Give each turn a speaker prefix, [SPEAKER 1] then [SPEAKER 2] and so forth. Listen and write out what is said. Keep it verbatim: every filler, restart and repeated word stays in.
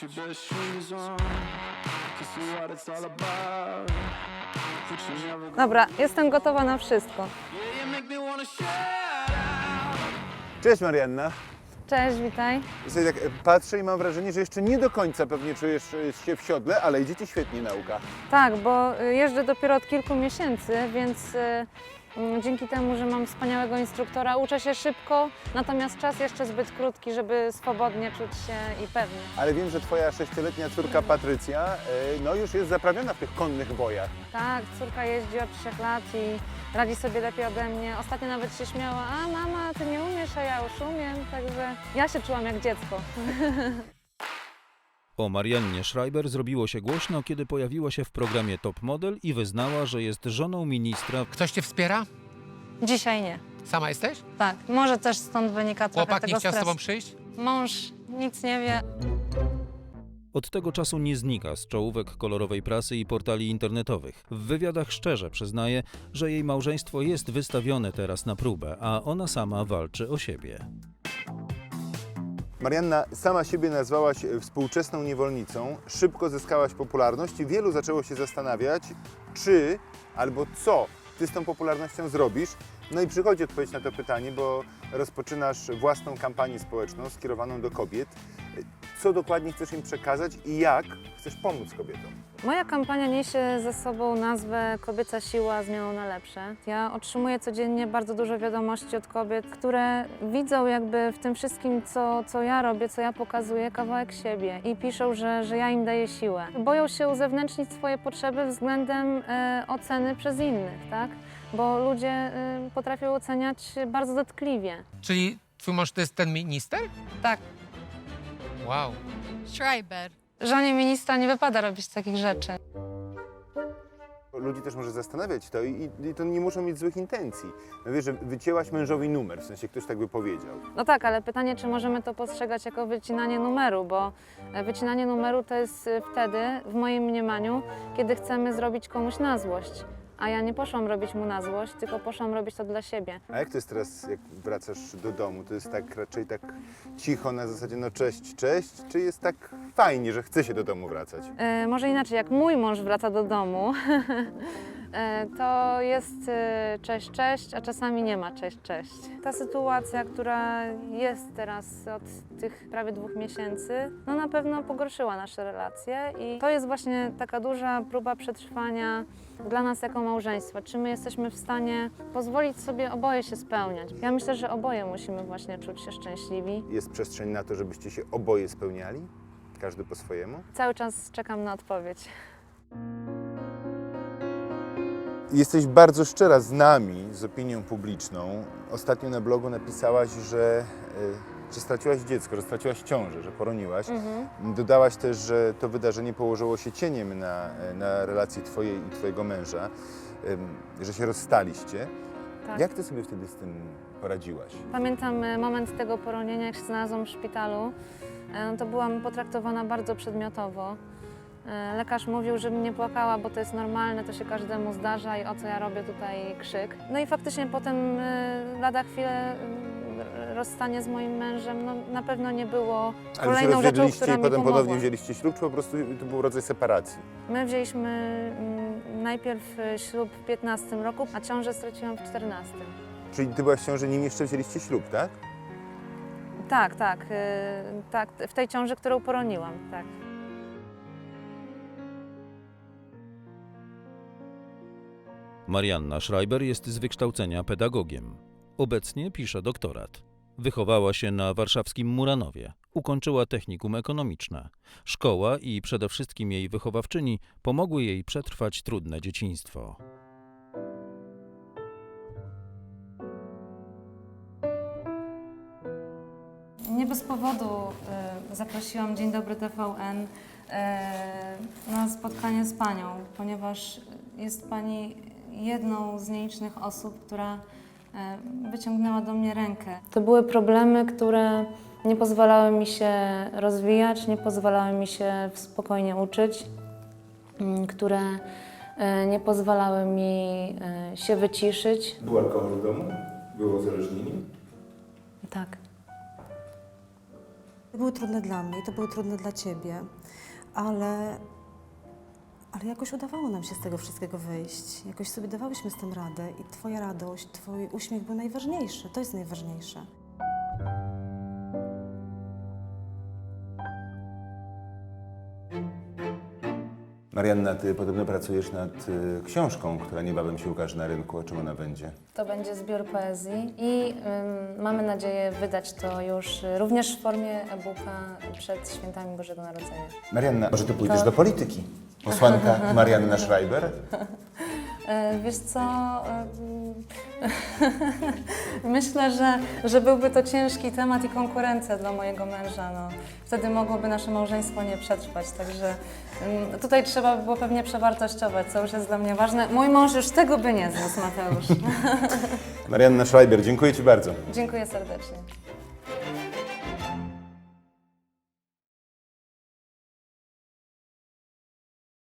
[SPEAKER 1] Dobra, jestem gotowa na wszystko.
[SPEAKER 2] Cześć Marianna.
[SPEAKER 1] Cześć, witaj.
[SPEAKER 2] Sobie tak patrzę i mam wrażenie, że jeszcze nie do końca pewnie czujesz się w siodle, ale idzie Ci świetnie nauka.
[SPEAKER 1] Tak, bo y, jeżdżę dopiero od kilku miesięcy, więc y, y, dzięki temu, że mam wspaniałego instruktora, uczę się szybko, natomiast czas jeszcze zbyt krótki, żeby swobodnie czuć się i pewnie.
[SPEAKER 2] Ale wiem, że Twoja sześcioletnia córka Patrycja y, no już jest zaprawiona w tych konnych bojach.
[SPEAKER 1] Tak, córka jeździ od trzech lat i radzi sobie lepiej ode mnie. Ostatnio nawet się śmiała, a mama, ty nie umiesz, a ja już umiem, także ja się czułam jak dziecko.
[SPEAKER 3] O Mariannie Schreiber zrobiło się głośno, kiedy pojawiła się w programie Top Model i wyznała, że jest żoną ministra.
[SPEAKER 4] Ktoś cię wspiera?
[SPEAKER 1] Dzisiaj nie.
[SPEAKER 4] Sama jesteś?
[SPEAKER 1] Tak, może też stąd wynika trochę
[SPEAKER 4] Chłopak
[SPEAKER 1] tego
[SPEAKER 4] nie chciał z
[SPEAKER 1] stresu.
[SPEAKER 4] tobą przyjść?
[SPEAKER 1] Mąż nic nie wie.
[SPEAKER 3] Od tego czasu nie znika z czołówek kolorowej prasy i portali internetowych. W wywiadach szczerze przyznaje, że jej małżeństwo jest wystawione teraz na próbę, a ona sama walczy o siebie.
[SPEAKER 2] Marianna, sama siebie nazwałaś współczesną niewolnicą, szybko zyskałaś popularność i wielu zaczęło się zastanawiać, czy albo co Ty z tą popularnością zrobisz. No i przychodzi odpowiedź na to pytanie, bo rozpoczynasz własną kampanię społeczną skierowaną do kobiet. Co dokładnie chcesz im przekazać i jak chcesz pomóc kobietom?
[SPEAKER 1] Moja kampania niesie ze sobą nazwę Kobieca siła zmianą na lepsze. Ja otrzymuję codziennie bardzo dużo wiadomości od kobiet, które widzą jakby w tym wszystkim, co, co ja robię, co ja pokazuję, kawałek siebie i piszą, że, że ja im daję siłę. Boją się uzewnętrznić swoje potrzeby względem e, oceny przez innych, tak? Bo ludzie e, potrafią oceniać bardzo dotkliwie.
[SPEAKER 4] Czyli twój mąż to jest ten minister?
[SPEAKER 1] Tak.
[SPEAKER 4] Wow.
[SPEAKER 5] Schreiber.
[SPEAKER 1] Żonie ministra nie wypada robić takich rzeczy.
[SPEAKER 2] Ludzi też może zastanawiać to i, i to nie muszą mieć złych intencji. No wiesz, że wycięłaś mężowi numer, w sensie ktoś tak by powiedział.
[SPEAKER 1] No tak, ale pytanie, czy możemy to postrzegać jako wycinanie numeru, bo wycinanie numeru to jest wtedy, w moim mniemaniu, kiedy chcemy zrobić komuś na złość. A ja nie poszłam robić mu na złość, tylko poszłam robić to dla siebie.
[SPEAKER 2] A jak to jest teraz, jak wracasz do domu? To jest tak raczej tak cicho na zasadzie no cześć, cześć? Czy jest tak fajnie, że chce się do domu wracać?
[SPEAKER 1] E, może inaczej, jak mój mąż wraca do domu, e, to jest e, cześć, cześć, a czasami nie ma cześć, cześć. Ta sytuacja, która jest teraz od tych prawie dwóch miesięcy, no na pewno pogorszyła nasze relacje i to jest właśnie taka duża próba przetrwania dla nas jako małżeństwa. Czy my jesteśmy w stanie pozwolić sobie oboje się spełniać? Ja myślę, że oboje musimy właśnie czuć się szczęśliwi.
[SPEAKER 2] Jest przestrzeń na to, żebyście się oboje spełniali? Każdy po swojemu?
[SPEAKER 1] Cały czas czekam na odpowiedź.
[SPEAKER 2] Jesteś bardzo szczera z nami, z opinią publiczną. Ostatnio na blogu napisałaś, że, y, że straciłaś dziecko, że straciłaś ciążę, że poroniłaś.
[SPEAKER 1] Mhm.
[SPEAKER 2] Dodałaś też, że to wydarzenie położyło się cieniem na, na relacji twojej i twojego męża, y, że się rozstaliście.
[SPEAKER 1] Tak.
[SPEAKER 2] Jak ty sobie wtedy z tym poradziłaś?
[SPEAKER 1] Pamiętam e, moment tego poronienia, jak się znalazłam w szpitalu. E, To byłam potraktowana bardzo przedmiotowo. E, Lekarz mówił, żebym nie płakała, bo to jest normalne, to się każdemu zdarza i o co ja robię tutaj krzyk. No i faktycznie potem e, lada chwilę e, rozstanie z moim mężem no, na pewno nie było
[SPEAKER 2] Ale się
[SPEAKER 1] kolejną rzeczą,
[SPEAKER 2] rozwiedliście
[SPEAKER 1] która
[SPEAKER 2] i
[SPEAKER 1] mi
[SPEAKER 2] potem
[SPEAKER 1] pomogła.
[SPEAKER 2] ponownie wzięliście ślub, czy po prostu to był rodzaj separacji?
[SPEAKER 1] My wzięliśmy mm, najpierw e, ślub w piętnastym roku, a ciążę straciłam w czternastym.
[SPEAKER 2] Czyli ty byłaś w ciąży, nim jeszcze wzięliście ślub, tak?
[SPEAKER 1] Tak, tak, e, tak, w tej ciąży, którą poroniłam, tak.
[SPEAKER 3] Marianna Schreiber jest z wykształcenia pedagogiem. Obecnie pisze doktorat. Wychowała się na warszawskim Muranowie. Ukończyła technikum ekonomiczne. Szkoła i przede wszystkim jej wychowawczyni pomogły jej przetrwać trudne dzieciństwo.
[SPEAKER 1] Nie bez powodu y, zaprosiłam Dzień Dobry T V N y, na spotkanie z Panią, ponieważ jest Pani jedną z nielicznych osób, która y, wyciągnęła do mnie rękę. To były problemy, które nie pozwalały mi się rozwijać, nie pozwalały mi się spokojnie uczyć, y, które y, nie pozwalały mi y, się wyciszyć.
[SPEAKER 2] Był alkohol w domu? Było uzależnienie?
[SPEAKER 1] Tak.
[SPEAKER 5] były trudne dla mnie i to były trudne dla Ciebie, ale, ale jakoś udawało nam się z tego wszystkiego wyjść. Jakoś sobie dawałyśmy z tym radę i Twoja radość, Twój uśmiech był najważniejszy. To jest najważniejsze.
[SPEAKER 2] Marianna, ty podobno pracujesz nad y, książką, która niebawem się ukaże na rynku. O czym ona będzie?
[SPEAKER 1] To będzie zbiór poezji i ym, mamy nadzieję wydać to już y, również w formie e-booka przed świętami Bożego Narodzenia.
[SPEAKER 2] Marianna, może ty pójdziesz
[SPEAKER 1] To-
[SPEAKER 2] do polityki? Posłanka Marianna Schreiber?
[SPEAKER 1] E, Wiesz co, ym, myślę, że, że byłby to ciężki temat i konkurencja dla mojego męża. No. Wtedy mogłoby nasze małżeństwo nie przetrwać, także ym, tutaj trzeba by było pewnie przewartościować, co już jest dla mnie ważne. Mój mąż już tego by nie zniósł, Mateusz.
[SPEAKER 2] Marianna Schreiber, dziękuję ci bardzo.
[SPEAKER 1] Dziękuję serdecznie.